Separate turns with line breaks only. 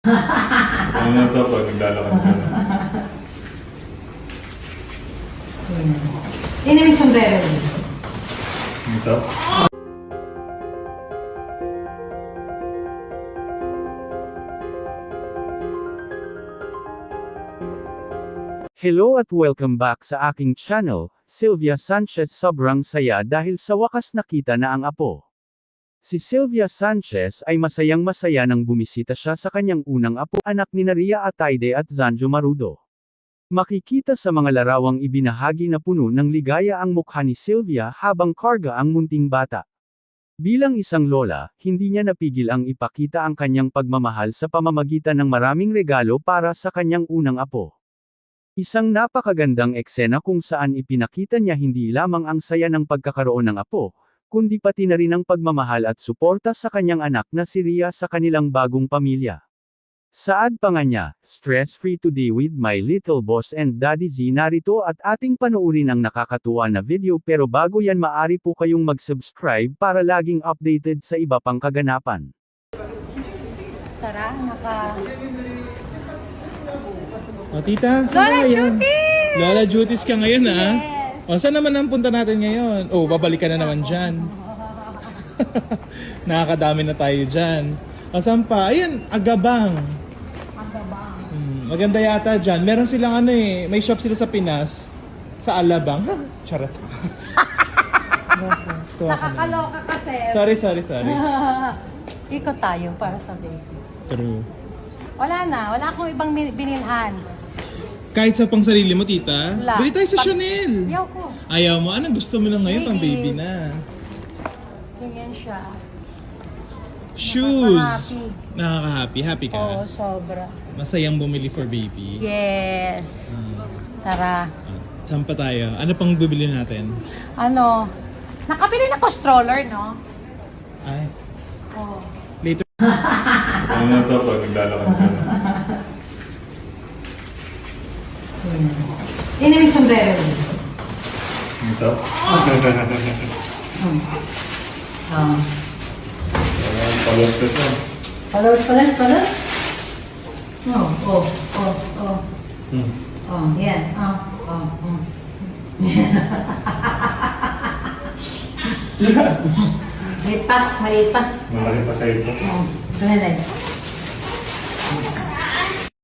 Ano na to pag naglalakad ka na?
Hindi namin sombrero din.
Ito?
Hello at welcome back sa aking channel, Sylvia Sanchez. Sobrang saya dahil sa wakas nakita na ang apo. Si Sylvia Sanchez ay masayang-masaya nang bumisita siya sa kanyang unang apo, anak ni Ria Ataide at Zanjo Marudo. Makikita sa mga larawang ibinahagi na puno ng ligaya ang mukha ni Sylvia habang karga ang munting bata. Bilang isang lola, hindi niya napigil ang ipakita ang kanyang pagmamahal sa pamamagitan ng maraming regalo para sa kanyang unang apo. Isang napakagandang eksena kung saan ipinakita niya hindi lamang ang saya ng pagkakaroon ng apo, kundi pati na rin ang pagmamahal at suporta sa kanyang anak na si Ria sa kanilang bagong pamilya. Saad pa nga niya, stress-free today with my little boss and Daddy Z. Narito at ating panoorin ang nakakatuwa na video, pero bago yan maari po kayong mag-subscribe para laging updated sa iba pang kaganapan.
Tara,
O tita, saan
Lola
ka ngayon?
Jutis!
Lola Jutis ka ngayon ha?
Yes!
O saan naman ang punta natin ngayon? O babalik ka na naman dyan. Nakakadami na tayo dyan. O saan pa? Ayan, Agabang.
Agabang.
Maganda yata dyan. Meron silang ano eh, may shop sila sa Pinas. Sa Alabang. Charot. Tuwa ka na.
Nakakaloka kasi.
Sorry.
Ikot tayo para sa baby.
True.
Wala akong ibang binilhan.
Kahit sa pang sarili mo, tita?
Wala.
Bili tayo sa Chanel.
Ayaw ko.
Ayaw mo? Anong gusto mo lang ngayon? Pang baby
Ladies.
na.
Ganyan siya.
Shoes.
Nakaka-happy.
Nakaka-happy. Happy ka?
Oo, sobra.
Masayang bumili for baby.
Yes. Tara.
Saan pa tayo? Ano pang bibili natin?
Ano? Nakabili na ko stroller, no?
Ay,
Oo.
later.
Ano na to pag naglalakad ka na?
Hindi namin sombrero din.
Ito? Ayan, palos ka to.
Palos. Oh. Yan. Maliit pa.
Malaki pa sa ito.
Ito na lang.